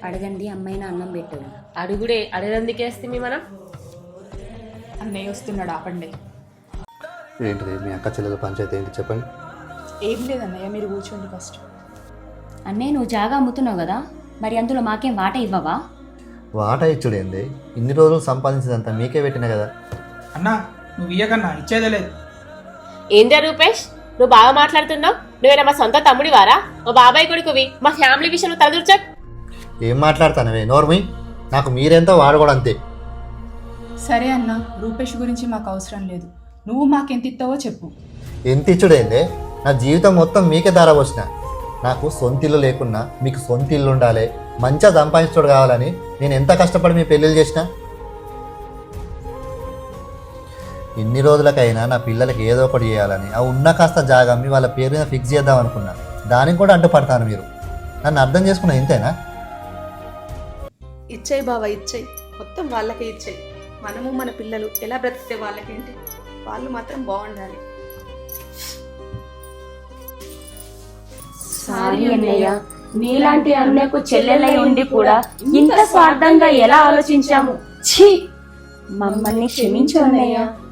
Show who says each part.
Speaker 1: అడగండి, అమ్మాయినా అన్నం పెట్టదు.
Speaker 2: అడుగుడే అడగందుకేస్తే మనం.
Speaker 3: అన్నయ్య వస్తున్నాడు, ఆపండి.
Speaker 4: ఏంటిది మీ అక్క చెల్లెల పంచాయతీ ఏంటి చెప్పండి.
Speaker 3: ఏం లేదన్నయ్య, మీరు కూర్చోండి ఫస్ట్.
Speaker 1: అన్నయ్య నువ్వు జాగా అమ్ముతున్నావు కదా, మరి అందులో మాకేం వాట ఇవ్వవా?
Speaker 4: వాట ఇచ్చుడేంది, ఇన్ని రోజులు సంపాదించిందంతా మీకే పెట్టినా కదా.
Speaker 5: అన్నా నువ్వు ఇయ్యకన్నా, ఇచ్చేదే లేదు.
Speaker 2: ఏందా రూపేష్, నువ్వు బాగా మాట్లాడుతున్నావు. నువ్వేనా మా సొంత తమ్ముడి వారా? మా బాబాయ్ కొడుకువి. మా ఫ్యామిలీ విషయంలో తలదూర్చక్.
Speaker 4: ఏం మాట్లాడతానవే నోర్మి, నాకు మీరెంతో వాడు కూడా అంతే.
Speaker 3: సరే అన్న, రూపేష్ గురించి మాకు అవసరం లేదు. నువ్వు మాకెంత ఇస్తావో చెప్పు.
Speaker 4: ఎంత ఇచ్చుడేందే, నా జీవితం మొత్తం మీకే ధార పోసిన. నాకు సొంత ఇల్లు లేకున్నా మీకు సొంత ఇల్లు ఉండాలి, మంచిగా సంపాదించుడు కావాలని నేను ఎంత కష్టపడి మీ పెళ్ళిళ్ళు చేసిన. ఇన్ని రోజులకైనా నా పిల్లలకి ఏదో ఒకటి చేయాలని ఆ ఉన్న కాస్త జాగా మీ వాళ్ళ పేరు మీద ఫిక్స్ చేద్దాం అనుకున్నా. దానికి కూడా అడ్డుపడతాను మీరు. నన్ను అర్థం చేసుకున్నా ఇంతేనా?
Speaker 6: ఇచ్చేయి బావా, ఇచ్చేయి. మొత్తం వాళ్ళకే ఇచ్చేయి. మనము మన పిల్లలు ఎలా బ్రతికితే వాళ్ళకేంటి, వాళ్ళు మాత్రం బాగుండాలి.
Speaker 1: సారీ అన్నయ్య, నీలాంటి అన్నకు చెల్లెలై ఉండి కూడా ఇంత స్వార్థంగా ఎలా ఆలోచించాము. ఛీ, మమ్మల్ని క్షమించు అన్నయ్య.